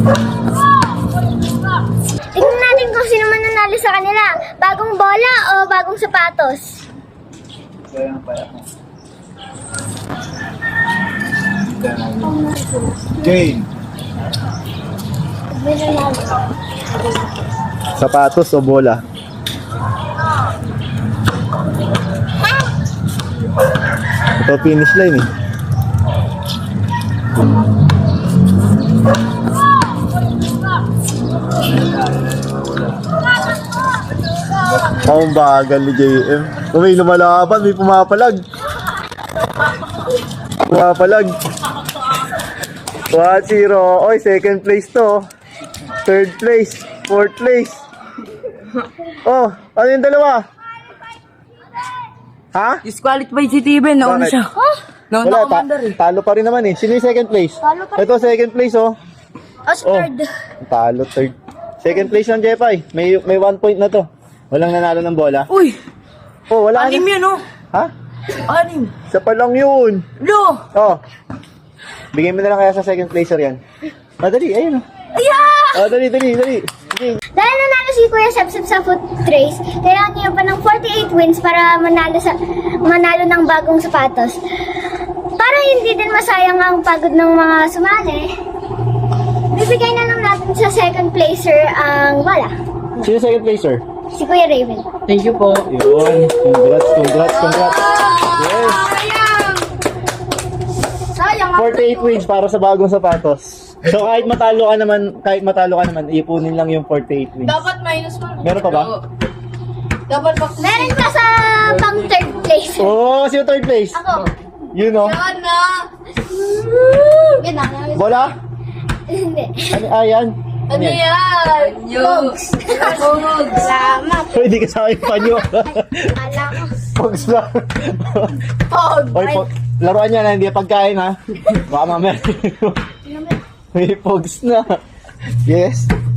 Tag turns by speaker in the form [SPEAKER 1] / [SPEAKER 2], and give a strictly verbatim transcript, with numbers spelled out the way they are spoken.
[SPEAKER 1] Tingnan natin kung sino man nanalo sa kanila. Bagong bola o bagong sapatos?
[SPEAKER 2] Kaya pa ako. Jane. Sapatos o bola? Ito finish line eh. Ang bagal ni J M. Kung may lumalaban, may pumapalag. Pumapalag. one zero. Oy, second place to. Third place. Fourth place. Oh, ano yung dalawa? Ha?
[SPEAKER 3] Disqualified si Steven, nauna
[SPEAKER 2] Bakit?
[SPEAKER 3] siya. Nauna
[SPEAKER 2] Wala, ta
[SPEAKER 3] commander eh.
[SPEAKER 2] talo pa rin naman eh. Sino yung second place?
[SPEAKER 1] Talo pa rin.
[SPEAKER 2] Ito, second place oh.
[SPEAKER 1] O third?
[SPEAKER 2] Talo, third. Second place ng Jepay. May, may one point na to. Walang nanalo ng bola.
[SPEAKER 3] Uy,
[SPEAKER 2] Oh, wala
[SPEAKER 3] anim
[SPEAKER 2] na.
[SPEAKER 3] yun oh.
[SPEAKER 2] Ha?
[SPEAKER 3] Anim.
[SPEAKER 2] Isa pa lang yun.
[SPEAKER 3] Lo!
[SPEAKER 2] Oh. Bigyan mo na lang kaya sa second placer yan. Ah, dali, ayun oh.
[SPEAKER 1] Yeah!
[SPEAKER 2] Ah, dali, dali, dali. Sige.
[SPEAKER 1] Dahil nanalo si Kuya Sepsep sa foot race, kailangan niya pa ng forty-eight wins para manalo sa manalo ng bagong sapatos. Para hindi din masayang ang pagod ng mga sumali, bibigay na lang natin sa second placer ang bola.
[SPEAKER 2] Sino second placer?
[SPEAKER 1] Si Kuya Raven.
[SPEAKER 3] Thank you po.
[SPEAKER 2] Yun. Congrats, congrats, congrats. Yes.
[SPEAKER 1] Sayang
[SPEAKER 2] forty-eight wins para sa bagong sapatos. So kahit matalo ka naman, kahit matalo ka naman, ipunin lang yung forty-eight wins.
[SPEAKER 3] Dapat minus one.
[SPEAKER 2] Meron pa ba?
[SPEAKER 3] Dapat pa.
[SPEAKER 1] Meron pa sa pang third place.
[SPEAKER 2] Oh, sino third place?
[SPEAKER 1] Ako.
[SPEAKER 2] Yun oh.
[SPEAKER 3] Yan na.
[SPEAKER 1] Yan na.
[SPEAKER 2] Bola?
[SPEAKER 1] Hindi.
[SPEAKER 2] Ano, ah, yan.
[SPEAKER 3] Ano yan?
[SPEAKER 1] Pogs.
[SPEAKER 3] Pogs.
[SPEAKER 1] Salamat.
[SPEAKER 2] Pwede ka sa akin panyo.
[SPEAKER 1] Alam ko.
[SPEAKER 2] Pogs lang.
[SPEAKER 3] Pog.
[SPEAKER 2] Oy, po, laruan niya na, hindi pagkain ha. Baka mamaya. May pogs na. Yes.